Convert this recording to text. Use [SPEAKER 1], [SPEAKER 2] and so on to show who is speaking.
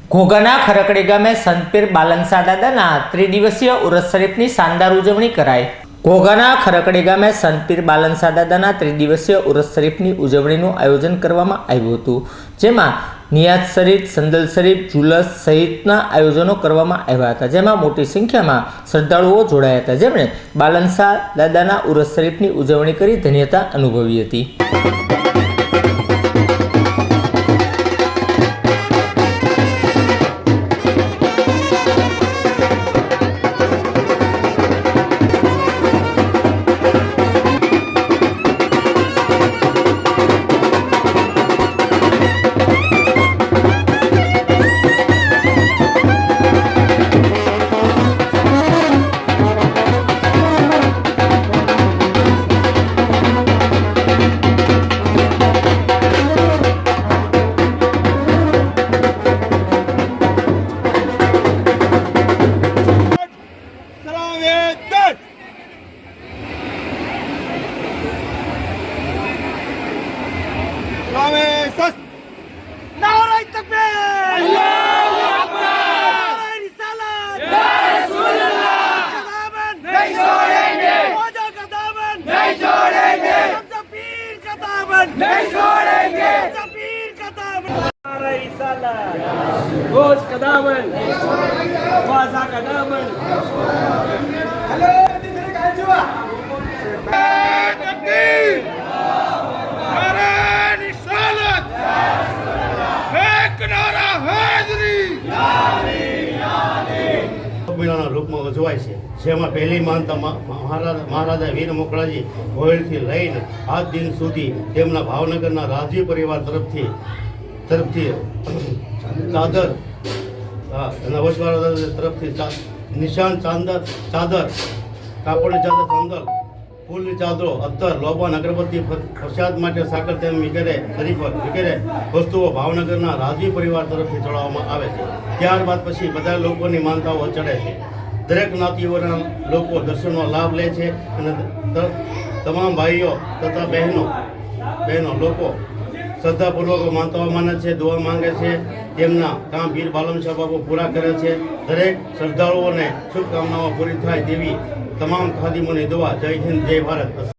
[SPEAKER 1] ઘોઘાના ખરકડી ગામે સંતપીર બાલનસા દાદાના ત્રિદિવસીય ઉરસ શરીફની શાનદાર ઉજવણી કરાઈ। ઘોઘાના ખરકડી ગામે સંતપીર બાલનસા દાદાના ત્રિદિવસીય ઉરસ શરીફની ઉજવણીનું આયોજન કરવામાં આવ્યું હતું, જેમાં નિયાઝ શરીફ, સંદલ શરીફ, જુલસ સહિતના આયોજનો કરવામાં આવ્યા હતા, જેમાં મોટી સંખ્યામાં શ્રદ્ધાળુઓ જોડાયા હતા, જેમણે બાલનસા દાદાના ઉરસ શરીફની ઉજવણી કરી ધન્યતા અનુભવી હતી।
[SPEAKER 2] नारे तकबीर, अल्लाहू अकबर, रिसालत, या रसूलुल्लाह, दामन नहीं छोड़ेंगे, ख्वाजा का दामन नहीं छोड़ेंगे, पीर का दामन नहीं छोड़ेंगे, पीर का दामन। नारे रिसालत, गोश का दामन, ख्वाजा का दामन। हेलो दिल का जुआ तकबीर, नारे रिसालत,
[SPEAKER 3] મેળાના રૂપમાં ઉજવાય છે, જેમાં પહેલી માનતા મહારાજા વીર મોકળાજી ગોહિલથી લઈને આજ દિન સુધી તેમના ભાવનગરના રાજવી પરિવાર તરફથી ચાદર અને વસવાળા તરફથી નિશાન ચાદર, કાપડની ચાદર, સંદલ, ફૂલની ચાદરો, અત્તર, લોબાન, અગરબત્તી, પ્રસાદ માટે સાકર તેમ વગેરે વસ્તુઓ ભાવનગરના રાજવી પરિવાર તરફથી ચડાવવામાં આવે છે। ત્યારબાદ પછી બધા લોકોની માનતાઓ ચડે છે। દરેક જ્ઞાતિઓના લોકો દર્શનનો લાભ લે છે અને તમામ ભાઈઓ તથા બહેનો લોકો શ્રદ્ધાપૂર્વક માનતાઓ માને છે, દુઆ માંગે છે, તેમના કામ વીર બાલનસા બાપુ પૂરા કરે છે। દરેક શ્રદ્ધાળુઓને શુભકામનાઓ પૂરી થાય તેવી તમામ ખાદીમોની દુઆ। જય હિન્દ, જય ભારત।